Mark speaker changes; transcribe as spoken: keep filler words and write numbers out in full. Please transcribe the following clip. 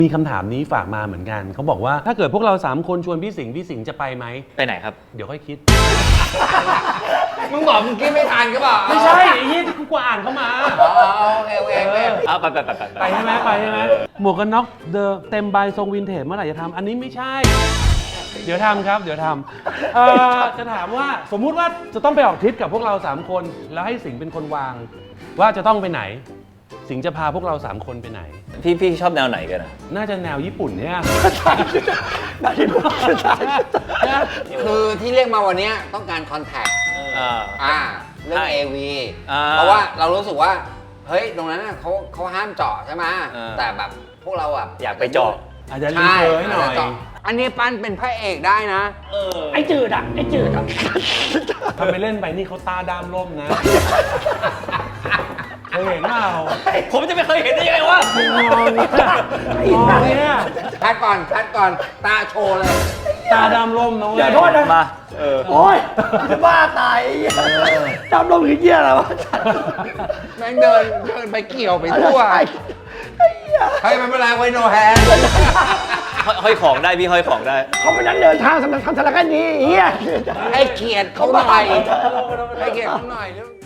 Speaker 1: มีคำถามนี้ฝากมาเหมือนกันเขาบอกว่าถ้าเกิดพวกเราสามคนชวนพี่สิงห์พี่สิงห์จะไปไหม
Speaker 2: ไปไหนครับ
Speaker 1: เดี๋ยวค่อยคิด
Speaker 3: มึงบอกมึงคิดไม่ทันก็บอก
Speaker 1: ไม่ใช่ไอ้ยี่ที่กูอ่านเข้ามา
Speaker 3: อ๋อโอเคโอเคโอเค
Speaker 2: เอาไปไปไปไป
Speaker 1: ไปใช่ไหมไปใช่ไหมหมวกกันน็อกเดอะเต็มใบทรงวินเทจเมื่อไหร่จะทำอันนี้ไม่ใช่เดี๋ยวทำครับเดี๋ยวทำเอ่อจะถามว่าสมมุติว่าจะต้องไปออกทริปกับพวกเราสามคนแล้วให้สิงห์เป็นคนวางว่าจะต้องไปไหนสิงห์จะพาพวกเราสามคนไปไหน
Speaker 2: พี่พี่ชอบแนวไหนกันอ่ะ
Speaker 1: น่าจะแนวญี่ปุ่นเนี่ย
Speaker 3: คือที่เรียกมาวันนี้ต้องการคอนแทคอ่าเรื่อง เอ วี เพราะว่าเรารู้สึกว่าเฮ้ยตรงนั้นเขาเขาห้ามเจาะใช่ไหมแต่แบบพวกเราอ่ะ
Speaker 2: อยากไปเจาะ
Speaker 1: อาจจะรีเฟอร์ให้หน่อย
Speaker 3: อันนี้ปั้นเป็นพระเอกได้นะ
Speaker 4: ไอ้จืดอ่ะไอ้จืดอ่ะ
Speaker 1: ทำไปเล่นไปนี่เขาตาดามล่มนะเคยเห็นเปล่า
Speaker 2: ผมจะไม่เคยเห็นได้ยังไงวะ
Speaker 1: มองเนี่ยมองเนี่ย
Speaker 3: คัดก่อนคัดก่อนตาโชว์เลย
Speaker 1: ตาดำล่มน้อง
Speaker 4: อย่าโทษนะ
Speaker 2: มา
Speaker 4: โอ้ยจะบ้าตายดำลมคือเหี้ยอะไรวะ
Speaker 3: แม่งเดินเดินไปเกี่ยวไปทั่วเฮ้ยมันเป็นไรไว้โนแฮน
Speaker 2: ห้อยของได้พี่ห้อยของได้
Speaker 4: เขาเป็นนักเดินทางสำหรับทำสารคดีเฮีย
Speaker 3: ให้เกียรติเขาหน่อยให้เกียรติเขาหน่อย